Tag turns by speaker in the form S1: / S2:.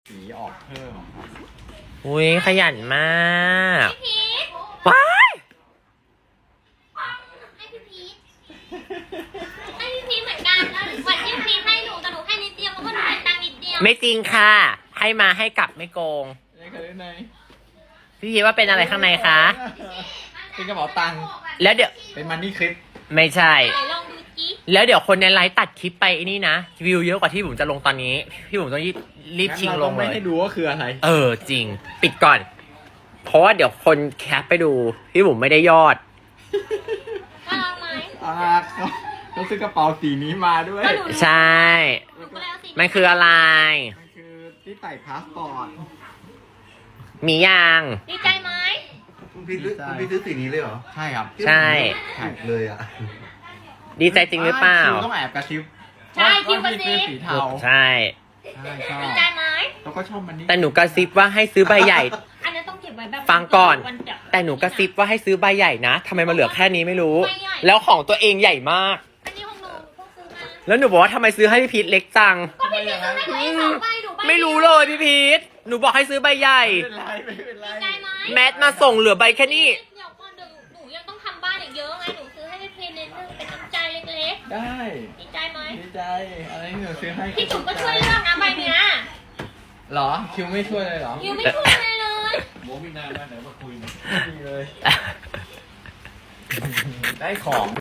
S1: สีออกเพิ่มครับ
S2: อุ้ยขยันมากว้าย
S3: ให้พี่พีทให้พี่พีทเหมือนกันแล้ววันที่พี่พีทให้หนูแต่หนูให้นิดเดียวเพราะว่าหนูเป็นตังค์นิดเดียว
S2: ไม่จริงค่ะ ให้มาให้กลับไม่โกง
S1: นี่คือใน
S2: พี่พีว่าเป็นอะไรข้างในคะ
S1: เป็นกระเป๋าตังค์
S2: แล้วเดี๋ยว
S1: เป็นมันนี่คลิป
S2: ไม่ใช่
S3: ไหนลองดูจิ
S2: แล้วเดี๋ยวคนในไลฟ์ตัดคลิปไปไอ้นี่นะวิวเยอะกว่าที่ผมจะลงตอนนี้พี่ผมต้องรีบชิงลง
S1: ไม่
S2: เลย
S1: ให้ดูว่าคืออะไร
S2: จริง ปิดก่อน เพราะว่าเดี๋ยวคนแคปไปดูพี่ผมไม่ได้ยอด
S3: ว่าลองไหม
S1: เขาซื้อกระเป๋าสีนี้มาด้วย
S3: ก็หนู
S2: ใช่
S3: หนูก็เลยเอาสี
S2: มันคืออะไร
S1: มันคือที่ใส่พาสปอร์ต
S2: มียาง
S3: ดีใจไหม
S4: คุณพี่ซื้อสีนี้เลยเหรอ
S1: ใช่ครับ
S2: ใช่
S4: ถูกเลยอ่ะ
S2: ดีใจจริงหรือเปล่า
S1: คิวต้องแอบกระซิบ
S3: ใช่คิวกระ
S1: ว่า
S3: ซิ
S1: พี่ซื้อบ สีเทา
S2: ใช่
S1: ใช่ชอบ
S3: ดีใจไหม
S1: แล้วก็ชอบมันนี่
S2: แต่หนูกระซิบว่าให้ซื้อใบใหญ่
S3: อันนั้นต้องเก็บไว้แบบ
S2: ฟังก่อน
S3: วันเดียว
S2: แต่หนูกระซิบว่าให้ซื้อใบใหญ่นะทำไมมันเหลือแค่นี้ไม่รู้
S3: ใบใหญ่
S2: แล้วของตัวเองใหญ่มาก
S3: อันนี้ของหนูเพิ่งซื้อมา
S2: แล้วหนูบอกว่าทำไมซื้อให้พี่พีทเล็กจัง
S3: ก็พี่พีทซื้อให้หนูเองสองใบหนูใบ
S2: ไม่รู้เลยพี่พีทหนูบอกให้ซื้อใบใหญ่
S1: ไม่เป็นไรไม่เป็นไร
S3: ดีใจไหม
S2: แมทมาส่งเหลือใบแค่นี้
S3: เดี๋ยวก่อนเดี๋ยวหนูยังต้องทำบ้านอีกเยอะไงหนูซื้อให้พี่พีทนิดนึงเป็นน้ำใจเล็ก
S1: ได้
S3: ๆดีใจไหม
S1: ดีใจอะไรที่หนูซื้อให้
S3: พี่จุ๋มก็ช่วยเลือกนะใบเนี้ย
S1: เหรอคิวไม่ช่วยเลยเหรอ
S3: ยูไม่ช่วยเลยเลย
S1: โมมีนานมากไหนมาคุยดีเลย ได้ของ